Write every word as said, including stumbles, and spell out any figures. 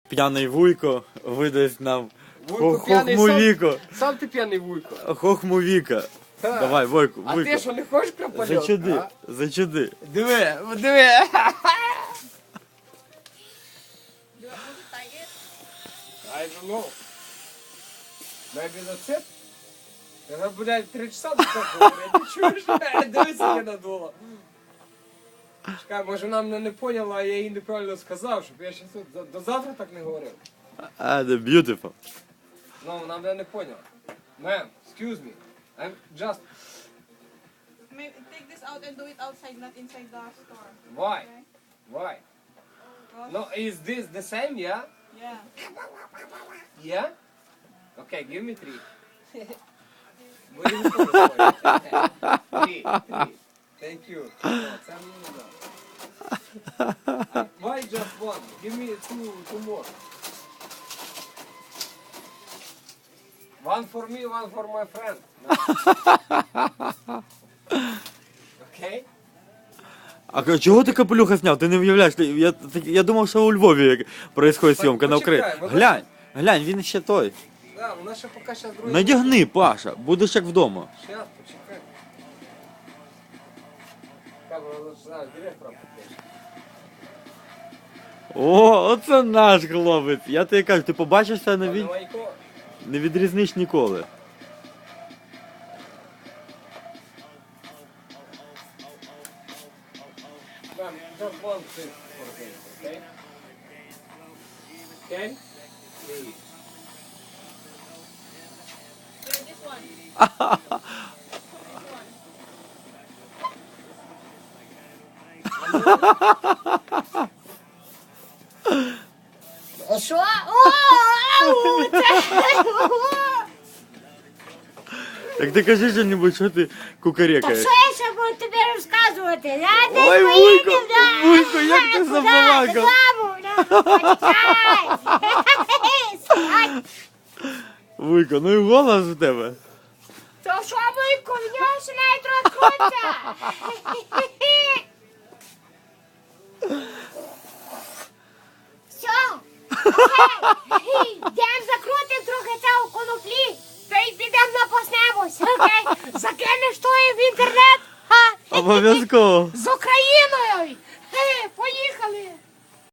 П'яний вуйко видасть нам Вуйко п'яний, хохмовіко. Сам, сам ти п'яний вуйко. Хохмовіка. Ха. Давай, Войко, А Вуйко. ти що, не хочеш крапальок? Зачуди, а? зачуди. Диви, диви. I don't know. Maybe that's it. Вона, блядь, три часа до того говорить. Ти чуєш? Дивись, яке надуло. Чекай, може вона мене не поняла, а я їй неправильно сказав, щоб я ще тут до, до завтра так не говорив. Ah, the beautiful. Ну, вона мене не поняла. Ma'am, excuse me. I'm just... Maybe take this out and do it outside, not inside the store. Why? Okay? Why? Because- No, is this the same, yeah? Yeah. Yeah? Okay, give me three. Будемо спробувати. Three, three. Thank you. No, це мені не дам. Why just one? Give me two, two more. One for me, one for my friend. No. Okay? А чого ти капелюха зняв? Ти не уявляєш, ти- я, ти- я думав, що у Львові як происходить Так, зйомка на почекай, Україні. вона- Глянь, глянь, він ще той. Да, вона ще поки ще другий. Надягни, Паша, будеш як вдома. Сейчас, почекай. Как бы лучше знаю, директора попишешь. О, оце наш хлопець. Я тобі кажу, ти побачишся, не, від... Вайко. не відрізниш ніколи. Ma'am, just one thing for me, okay? Okay? Please. Here, this one. Що? О, ау, це- Так ти кажи що-небудь, що ти Та кукарекаєш. що я ще буду тобі розказувати? Я десь Ой, поїду, Вуйко, да. Вуйко, як ти Куди? забалакав. Додому, да. Почекай. Стой. Вуйко, ну і голос в тебе. То що, Вуйко, в нього ще навіть розкрутиться. Все. Окей. Йдемо закрутимо трохи цього коноплі. Та й підемо напаснемось. Окей. Закинеш тої в інтернет. Ха. Обов'язково. Зо